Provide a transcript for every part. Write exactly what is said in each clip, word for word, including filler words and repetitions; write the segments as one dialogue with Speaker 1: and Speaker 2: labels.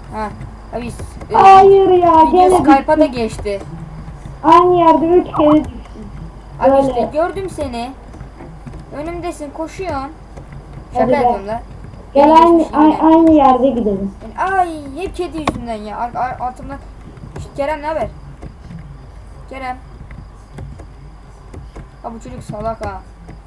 Speaker 1: Ha. Abi e,
Speaker 2: Hayır ya
Speaker 1: video
Speaker 2: gene
Speaker 1: Skype'a da
Speaker 2: düştüm.
Speaker 1: geçti.
Speaker 2: Aynı yerde üç kere düştüm.
Speaker 1: Abi
Speaker 2: Böyle.
Speaker 1: işte gördüm seni. Önümdesin, koşuyorsun. Şaka
Speaker 2: Hadi gel.
Speaker 1: yapıyorum lan.
Speaker 2: Gel
Speaker 1: Beni
Speaker 2: aynı,
Speaker 1: geçmiş
Speaker 2: ay-
Speaker 1: yine.
Speaker 2: aynı yerde gidelim.
Speaker 1: Yani, ay hep kedi yüzünden ya. Ar ar altımdan. Şşt, Kerem ne haber? Kerem. Ha bu çocuk salak ha.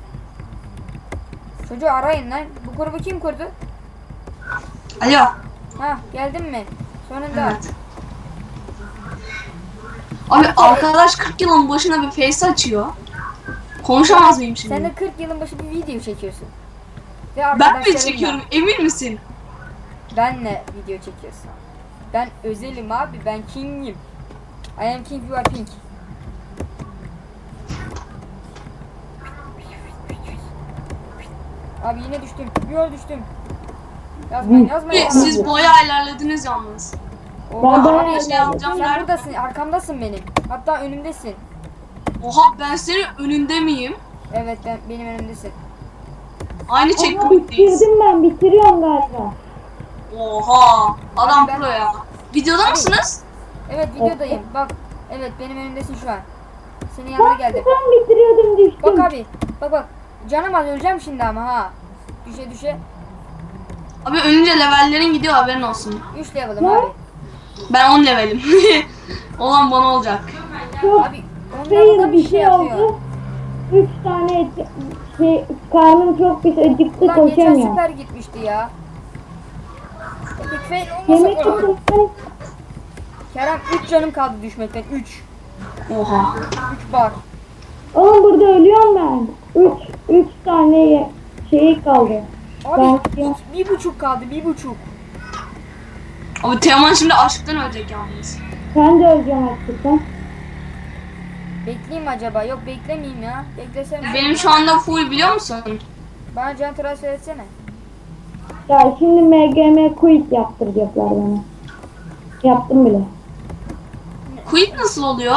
Speaker 1: Çocuğu arayın lan. Bu grubu kim kurdu?
Speaker 3: Alo.
Speaker 1: Ha geldin mi? Sonunda.
Speaker 3: Evet. Abi arkadaş kırk yılın başına bir face açıyor. Konuşamaz mıyım şimdi?
Speaker 1: Sen de kırk yılın başı bir video çekiyorsun. Ve
Speaker 3: Ben mi
Speaker 1: arkadaşlarınla
Speaker 3: çekiyorum? Emin misin?
Speaker 1: benle video çekiyorsun. Ben özelim abi. Ben king'im. I am king, you are pink. Abi yine düştüm. Bir yol düştüm. Yazmayın yazmayın.
Speaker 3: Siz, siz boya ilerlediniz yalnız.
Speaker 1: Oha,
Speaker 2: Ben
Speaker 1: abi,
Speaker 2: bayağı
Speaker 1: sen,
Speaker 3: ilerledim.
Speaker 1: sen buradasın. Arkamdasın benim. Hatta önümdesin.
Speaker 3: Oha ben senin önünde miyim?
Speaker 1: Evet ben benim önümdesin.
Speaker 3: Aynı
Speaker 2: Ama
Speaker 3: checkpoint'teyiz.
Speaker 2: bitirdim ben bitiriyorum galiba.
Speaker 3: Oha adam
Speaker 1: Ben-
Speaker 3: pro ya. Videoda mısınız?
Speaker 1: Evet videodayım. Bak. Evet benim önümdesin şu an. Senin yanına
Speaker 2: Bak
Speaker 1: geldim.
Speaker 2: ben bitiriyordum düştüm.
Speaker 1: Bak abi. Bak bak. Canım az öleceğim şimdi ama ha. Düşe düşe.
Speaker 3: Abi önce levellerin gidiyor haberin olsun.
Speaker 1: üç level'ım
Speaker 2: Ne?
Speaker 1: abi.
Speaker 3: Ben on levelim. Olan bana olacak.
Speaker 2: Çok
Speaker 1: Abi on level'da
Speaker 2: fail
Speaker 1: bir şey yapıyor.
Speaker 2: oldu. Üç tane et, şey, karnım çok pis acıktı
Speaker 1: Ulan geçen
Speaker 2: koşamıyorum.
Speaker 1: süper gitmişti ya. Epic fail
Speaker 2: Yemek
Speaker 1: olmasa.
Speaker 2: yedim.
Speaker 1: Kerem üç canım kaldı düşmekten. üç.
Speaker 3: Oha.
Speaker 1: üç bar.
Speaker 2: Oğlum burada ölüyorum ben. Üç, üç tane ye- şey kaldı.
Speaker 1: Abi
Speaker 2: Ben-
Speaker 1: iki- bir buçuk kaldı. Bir buçuk.
Speaker 3: Abi Teoman şimdi aşktan ölecek yalnız.
Speaker 2: Sen de öleceksin hakikaten.
Speaker 1: Bekleyeyim mi acaba? Yok beklemeyeyim ya. Beklesem.
Speaker 3: Benim şu anda full biliyor musun?
Speaker 1: Bana can transfer etsene.
Speaker 2: Ya şimdi M G M quick yaptıracaklar bana. Yaptım bile.
Speaker 3: Quit nasıl oluyor?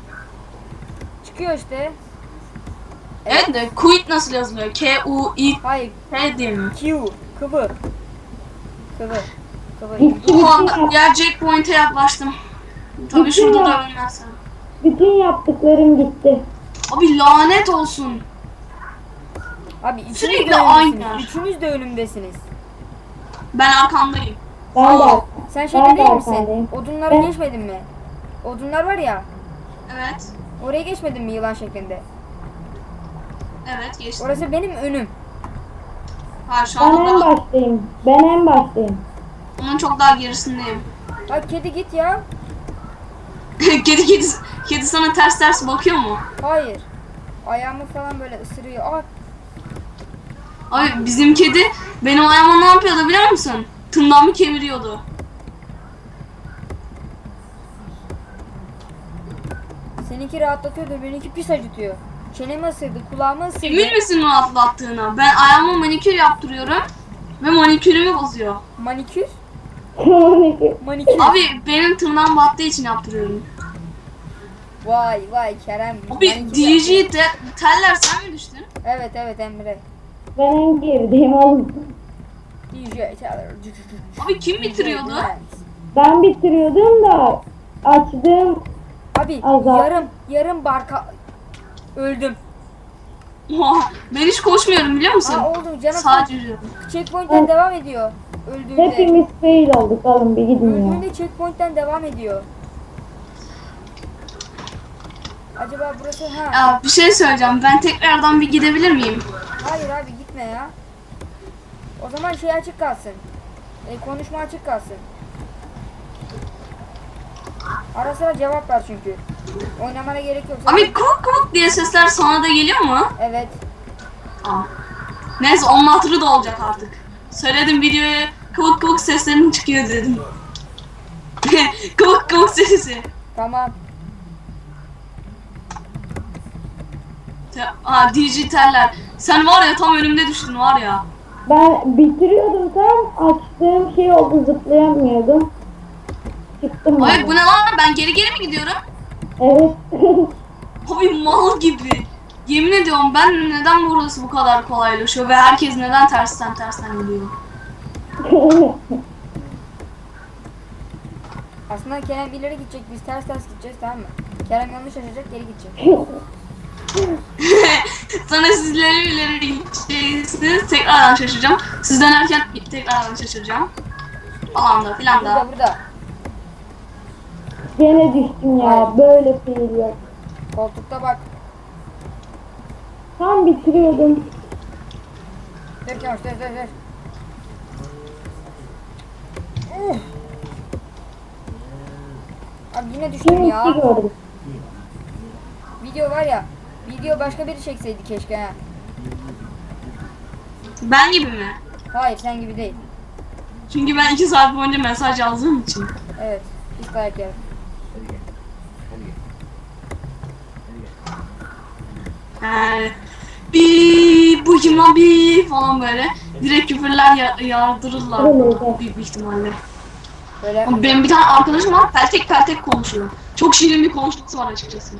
Speaker 1: Çıkıyor işte.
Speaker 3: Evet de quit nasıl yazılıyor? K U I
Speaker 1: Hayır.
Speaker 3: T diye mi?
Speaker 1: Q. Kıvı. Kıvı. Kıvı.
Speaker 2: Bitti,
Speaker 3: Oha
Speaker 2: bitti, yap-
Speaker 3: diğer checkpoint'e yaklaştım. Tabii
Speaker 2: Bitti
Speaker 3: şurada
Speaker 2: ya.
Speaker 3: da ölmezsen.
Speaker 2: bütün yaptıklarım gitti.
Speaker 3: Abi lanet olsun.
Speaker 1: Abi üçünüz
Speaker 3: Sürekli
Speaker 1: de
Speaker 3: aynı.
Speaker 1: önümdesiniz. Üçünüz de önümdesiniz.
Speaker 3: Ben arkandayım.
Speaker 2: Ben de,
Speaker 3: Aa,
Speaker 1: Sen
Speaker 2: Ben
Speaker 1: şeyde
Speaker 2: de
Speaker 1: değil misin?
Speaker 2: arkandayım.
Speaker 1: Odunlara
Speaker 2: Ben-
Speaker 1: geçmedin mi? Odunlar var ya.
Speaker 3: Evet.
Speaker 1: Oraya geçmedin mi yılan şeklinde?
Speaker 3: Evet geçtim.
Speaker 1: Orası benim önüm.
Speaker 3: Hayır şu
Speaker 2: ben
Speaker 3: anda
Speaker 2: en
Speaker 3: daha,
Speaker 2: baştayım. Ben en baştayım.
Speaker 3: onun çok daha gerisindeyim.
Speaker 1: Bak kedi git ya.
Speaker 3: kedi kedi kedi sana ters ters bakıyor mu?
Speaker 1: Hayır. Ayağımı falan böyle ısırıyor. Aa,
Speaker 3: Abi bizim kedi benim ayağıma ne yapıyordu biliyor musun? Tırnağımı kemiriyordu.
Speaker 1: seninki rahatlatıyor da benimki pis acıtıyor. Çenemi ısırdı, kulağımı ısırdı.
Speaker 3: Emin misin rahatlattığına? Ben ayağıma manikür yaptırıyorum ve manikürümü bozuyor.
Speaker 1: Manikür? Manikür.
Speaker 3: Abi benim tırnağım battığı için yaptırıyorum.
Speaker 1: Vay vay Kerem.
Speaker 3: Abi
Speaker 1: manikür
Speaker 3: D
Speaker 1: yaptı.
Speaker 3: J te teller sen mi düştün?
Speaker 1: Evet evet Emre.
Speaker 2: Ben en gerideyim oğlum.
Speaker 1: D J Teller.
Speaker 3: Abi kim bitiriyordu?
Speaker 2: Ben bitiriyordum da açtığım
Speaker 1: Abi
Speaker 2: Azar.
Speaker 1: yarım yarım barka öldüm.
Speaker 3: Oha, ben hiç koşmuyorum biliyor musun?
Speaker 1: Aa oldu canım.
Speaker 3: Sadece yürüyorum.
Speaker 1: Checkpoint'ten devam ediyor. Öldüğünde.
Speaker 2: hepimiz fail olduk oğlum bir gidin ya.
Speaker 1: Öldüğünde checkpoint'ten devam ediyor. Acaba burası ha?
Speaker 3: Ya bir şey söyleyeceğim. Ben tekrardan bir gidebilir miyim?
Speaker 1: Hayır abi gitme ya. O zaman şey açık kalsın. E, konuşma açık kalsın. Ara sıra cevap ver çünkü. Oynamana gerek yok. Sen-
Speaker 3: Abi kuvuk kuvuk diye sesler sana da geliyor mu?
Speaker 1: Evet.
Speaker 3: Tamam. Neyse onun hatırı da olacak artık. Söyledim videoya kıvık kıvık seslerin çıkıyor dedim. kıvık kıvık sesi.
Speaker 1: Tamam.
Speaker 3: Te- Aa dijitaller. Sen var ya tam önümde düştün var ya.
Speaker 2: Ben bitiriyordum tam açtığım şey oldu zıplayamıyordum. Çıktım
Speaker 3: Hayır
Speaker 2: ben.
Speaker 3: bu ne lan? Ben geri geri mi gidiyorum?
Speaker 2: Evet.
Speaker 3: Abi mal gibi. Yemin ediyorum ben neden burası bu kadar kolaylaşıyor ve herkes neden tersten tersten gidiyor?
Speaker 1: Aslında Kerem ileri gidecek, biz ters ters gideceğiz, tamam mı? Kerem yanlış açacak, geri gidecek.
Speaker 3: Sonra sizleri ileri gideceksiniz. Tekrardan şaşıracağım. Siz dönerken tekrardan şaşıracağım. Falan da filan
Speaker 1: Burada
Speaker 3: da.
Speaker 1: burada.
Speaker 2: Gene düştüm ya. Böyle seyir yok.
Speaker 1: Koltukta bak.
Speaker 2: Tam bitiriyordum.
Speaker 1: Dur Kemal, dur dur dur. Uh. Abi yine düştüm
Speaker 2: Şimdi
Speaker 1: ya.
Speaker 2: gördüm.
Speaker 1: Video var ya. Video başka biri çekseydi keşke ha.
Speaker 3: Ben gibi mi?
Speaker 1: Hayır, sen gibi değil.
Speaker 3: Çünkü ben iki saat boyunca mesaj yazdığım için.
Speaker 1: Evet. Pis dayak yer.
Speaker 3: Yani bir bu kim lan bir falan böyle. Direkt küfürler ya yağdırırlar bana büyük bir ihtimalle.
Speaker 1: Böyle
Speaker 3: Ama benim bir tane arkadaşım var peltek peltek konuşuyor. Çok şirin bir konuşması var açıkçası.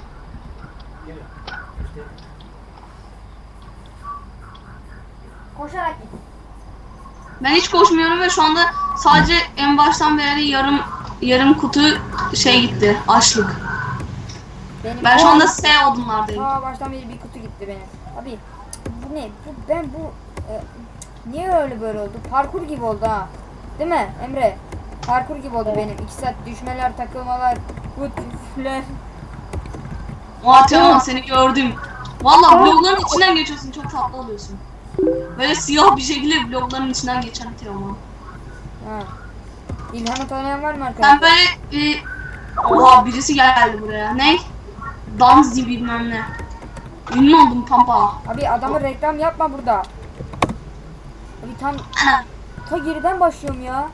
Speaker 1: koşarak git.
Speaker 3: Ben hiç koşmuyorum ve şu anda sadece en baştan beri yarım yarım kutu şey gitti, açlık.
Speaker 1: Benim
Speaker 3: Ben şu anda S odunlardayım.
Speaker 1: Aa, baştan beri bir kutu gitti benim. Abi bu ne? Bu ben bu e, niye öyle böyle oldu? Parkur gibi oldu ha. Değil mi Emre? Parkur gibi oldu benim. iki saat düşmeler, takılmalar, kutlar.
Speaker 3: Oha Teoman seni gördüm. Valla blokların içinden geçiyorsun, çok tatlı oluyorsun. Böyle siyah bir şekilde blokların içinden geçen Teoman.
Speaker 1: Ha. İlhan'ı tanıyan var mı
Speaker 3: Ben
Speaker 1: arkadaşlar?
Speaker 3: böyle bir... Oha birisi geldi buraya. Ne? Danzi bilmem ne. Ünlü oldum pampa.
Speaker 1: Abi adamı reklam yapma burada. Abi tam ta geriden başlıyorum ya.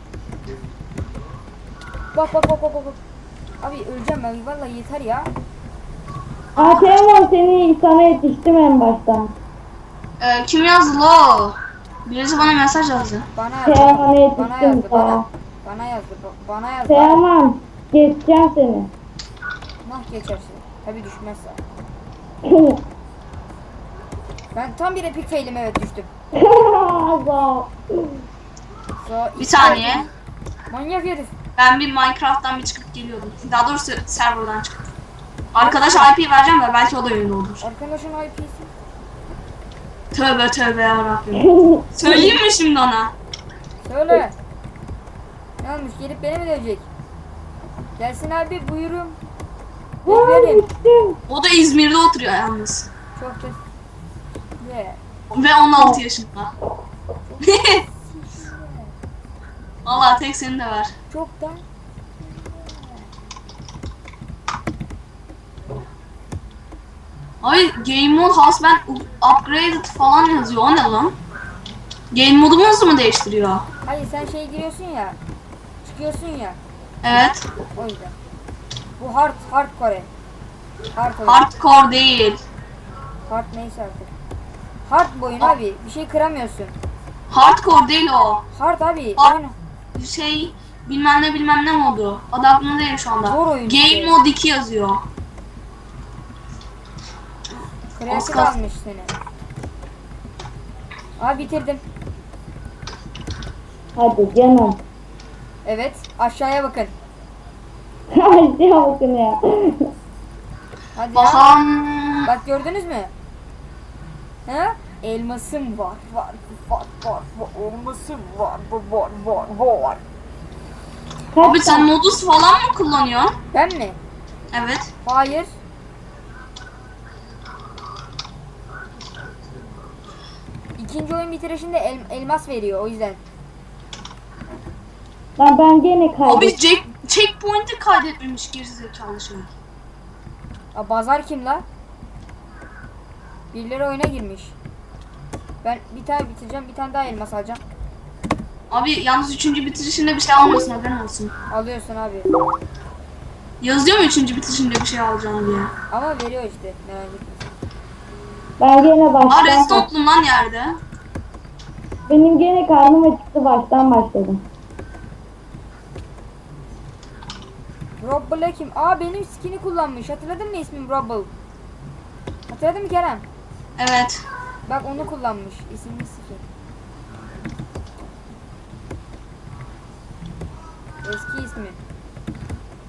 Speaker 1: Bak bak bak bak bak. Abi öleceğim ben, vallahi yeter ya.
Speaker 2: Aa Teoman seni sana yetiştim en baştan.
Speaker 3: Ee, kim yazdı lo? Birisi bana mesaj yazdı.
Speaker 1: Bana yazdı.
Speaker 2: Teoman'a
Speaker 1: Bana
Speaker 2: yetiştim
Speaker 1: yazdı bana.
Speaker 2: sana.
Speaker 1: Bana yazdı. ba- Bana yazdı.
Speaker 2: Teoman geçeceğim seni.
Speaker 1: Nah geçersin. Tabi düşmezse. Ben tam bir epic failim, evet düştüm.
Speaker 2: Allah.
Speaker 1: So,
Speaker 3: Bir saniye.
Speaker 1: Manyak herif.
Speaker 3: Ben bir Minecraft'tan bir çıkıp geliyordum. Daha doğrusu serverdan çıkıp. Arkadaş I P vereceğim de belki o da ünlü olur.
Speaker 1: Arkadaşın I P'si.
Speaker 3: Tövbe tövbe yarabbim. Söyleyeyim mi şimdi ona?
Speaker 1: Söyle. Ne olmuş, gelip beni mi dövecek? Gelsin abi, buyurun.
Speaker 2: Vay
Speaker 1: Beklerim.
Speaker 2: düştüm.
Speaker 3: O da İzmir'de oturuyor yalnız.
Speaker 1: Çok da. Yeah.
Speaker 3: Ve on altı yaşında. Vallahi tek seni de ver.
Speaker 1: Çok da.
Speaker 3: Ay game mode has been upgraded falan yazıyor. O ne lan? Game modumuzu mu değiştiriyor?
Speaker 1: Hayır, sen şey giriyorsun ya. Çıkıyorsun ya.
Speaker 3: Evet.
Speaker 1: O yüzden. Bu hard hardcore. Hard oyun.
Speaker 3: Hardcore değil.
Speaker 1: Hard neyse artık. Hard bu oyun abi. Bir şey kıramıyorsun.
Speaker 3: Hardcore değil o.
Speaker 1: Hard abi.
Speaker 3: Hard-
Speaker 1: Oyun.
Speaker 3: Şey bilmem ne bilmem ne modu. Adı aklımda değil şu anda.
Speaker 1: Zor oyun
Speaker 3: Game
Speaker 1: işte.
Speaker 3: mode iki yazıyor.
Speaker 1: Kreatif
Speaker 3: Oscar.
Speaker 1: almış seni. Abi bitirdim.
Speaker 2: Hadi canım.
Speaker 1: Evet. Aşağıya bakın.
Speaker 2: Aşağı bakın ya.
Speaker 1: Hadi ya.
Speaker 3: Bakalım.
Speaker 1: Bak gördünüz mü? He? Elmasım var. Var. Var. Var. var. Elmasım var. Var. Var. Var. Var.
Speaker 3: Abi
Speaker 2: Kaç
Speaker 3: sen modus falan mı kullanıyorsun?
Speaker 1: Ben mi?
Speaker 3: Evet.
Speaker 1: Hayır. İkinci oyun bitirişinde el, elmas veriyor, o yüzden.
Speaker 2: Lan ben gene
Speaker 3: Abi
Speaker 2: kaybettim.
Speaker 3: check, checkpoint'i kaydetmemiş gerizekalı şey.
Speaker 1: Aa, bazar kim la? Birileri oyuna girmiş. Ben bir tane bitireceğim, bir tane daha elmas alacağım.
Speaker 3: Abi yalnız üçüncü bitirişinde bir şey almıyorsun, haberin olsun.
Speaker 1: Alıyorsun abi.
Speaker 3: Yazıyor mu üçüncü bitirişinde bir şey alacağım diye?
Speaker 1: Ama veriyor işte, merak etme.
Speaker 2: Ben gene
Speaker 3: Aa
Speaker 2: baştan
Speaker 3: restock'lum lan yerde.
Speaker 2: Benim gene karnım acıktı, baştan başladım.
Speaker 1: Robble kim? Aa, benim skin'i kullanmış. Hatırladın mı ismim Robble? Hatırladın mı Kerem?
Speaker 3: Evet.
Speaker 1: Bak onu kullanmış. İsimli skin. Eski ismi.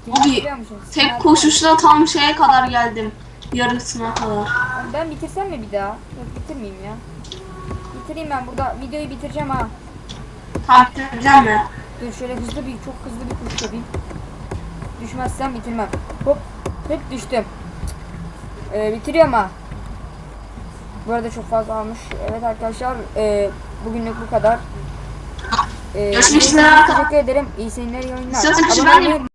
Speaker 3: Abi
Speaker 1: Biliyor musun?
Speaker 3: tek
Speaker 1: Sınav-
Speaker 3: koşuşla tam şeye kadar geldim. Yarısına kadar.
Speaker 1: Ben bitirsem mi bir daha? Yok bitirmeyeyim ya. Bitireyim ben burada videoyu bitireceğim ha.
Speaker 3: Takip edeceğim mi?
Speaker 1: Dur şöyle hızlı bir çok hızlı bir kuş yapayım. Düşmezsem bitirmem. Hop hep düştüm. Ee, bitiriyorum ha. Bu arada çok fazla almış. Evet arkadaşlar e, bugünlük bu kadar. Ee,
Speaker 3: Görüşmek
Speaker 1: izlediğiniz
Speaker 3: üzere
Speaker 1: için
Speaker 3: arkadaşlar.
Speaker 1: Teşekkür ederim. İyi seyirler, iyi oyunlar.
Speaker 3: İstiyorsan bir şey
Speaker 1: Abone
Speaker 3: ben
Speaker 1: olmayı
Speaker 3: yapayım.